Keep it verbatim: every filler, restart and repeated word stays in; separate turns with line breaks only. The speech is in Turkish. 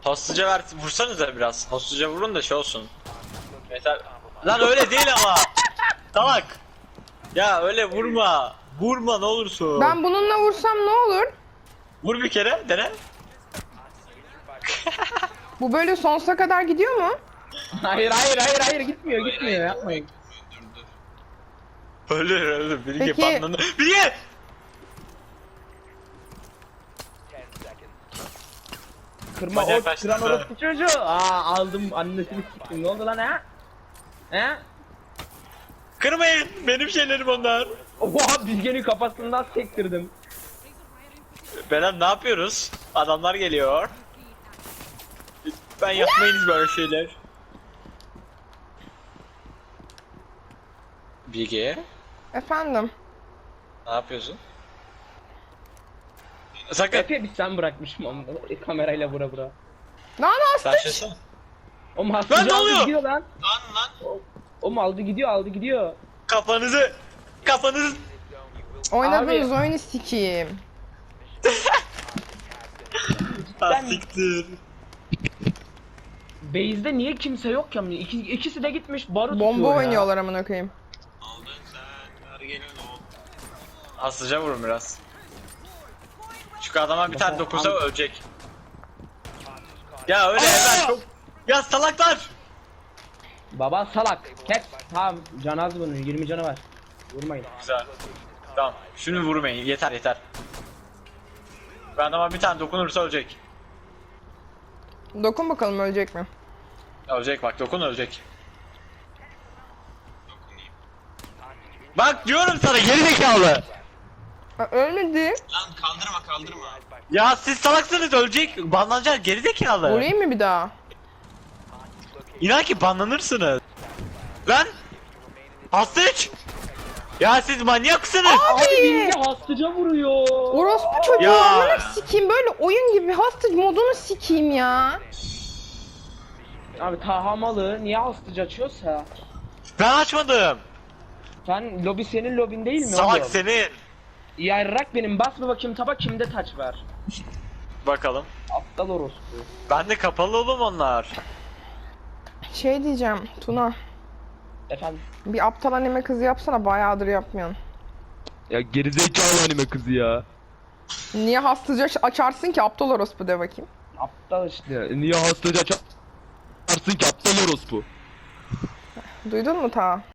Hostluca ver, vursanıza biraz. Hostluca vurun da şey olsun. Mesela... Lan öyle değil ama. Salak. Ya öyle vurma. Vurma ne olursun.
Ben bununla vursam ne olur?
Vur bir kere, dene.
Bu böyle sonsuza kadar gidiyor mu?
Hayır hayır hayır hayır gitmiyor gitmiyor yapmayın.
Ölür ölür. Bilge
Peki-
patlandı. Bilge!
Kırma
Manyak
o
kaçtı.
kıran orospu çocuğu. Aa aldım annesini siktim. Ne oldu lan ha? He?
Kırmayın. Benim şeylerim onlar.
Oha Bilge'nin kafasından sektirdim.
Belen ne yapıyoruz? Adamlar geliyor. Ben yapmayınız böyle şeyler. Bilge,
Efendim.
ne yapıyorsun? Sakın.
Efe bir sen bırakmışım onu. E, kamerayla vura vura.
Lan
Sen
hasta.
şeysin.
O mu
Lan
hastacı
ne
aldı
oluyor?
gidiyor lan.
Lan lan.
O, o mu aldı gidiyor aldı gidiyor.
Kafanızı. Kafanızı.
Oynadığınız
Abi.
oyunu sikeyim.
Ha siktir.
Base'de niye kimse yok ya? İki, ikisi de gitmiş barut
Bomba
tutuyor ya.
oynuyorlar amına koyayım.
Aldın sen. Hadi gelin oğlum. Aslıca vurun biraz. Şu adama bir tane dokunsa ölecek. Ya öyle hemen çok... Ya salaklar!
Baba salak. Kes. Tamam can az bunun yirmi canı var. Vurmayın.
Güzel. Tamam. Şunu vurmayın. Yeter yeter. Bu adama bir tane dokunursa ölecek.
Dokun bakalım ölecek mi?
Ölecek bak, dokun ölecek. Bak diyorum sana, geri zekalı.
Ha, ölmedi.
Lan kaldırma kaldırma. Ya siz salaksınız, ölecek. Banlanacak, geri zekalı.
Vurayım mı bir daha?
İnan ki banlanırsınız. Lan! Hastayç! Ya siz manyaksınız!
Abi Bilge hastacı vuruyor.
Orospu çocuğu
Ya.
amına sikeyim, böyle oyun gibi hostage modunu sikeyim ya.
Abi Taha malı niye hastacı açıyorsa?
Ben açmadım.
Sen lobi senin lobin değil mi
Salak
oğlum?
senin.
Yarrak benim bas bir bakayım taba kimde taç var.
Bakalım.
Aptal orospu.
Ben de kapalı oğlum onlar.
Şey diyeceğim Tuna,
Efendim.
bir aptal anime kızı yapsana, bayağıdır yapmıyorsun.
Ya gerizekalı anime kızı ya.
Niye hostage aç- açarsın ki, aptal orospu de bakayım.
Aptal işte.
Ya niye hastacı açarsın ki aptal orospu?
Duydun mu ta?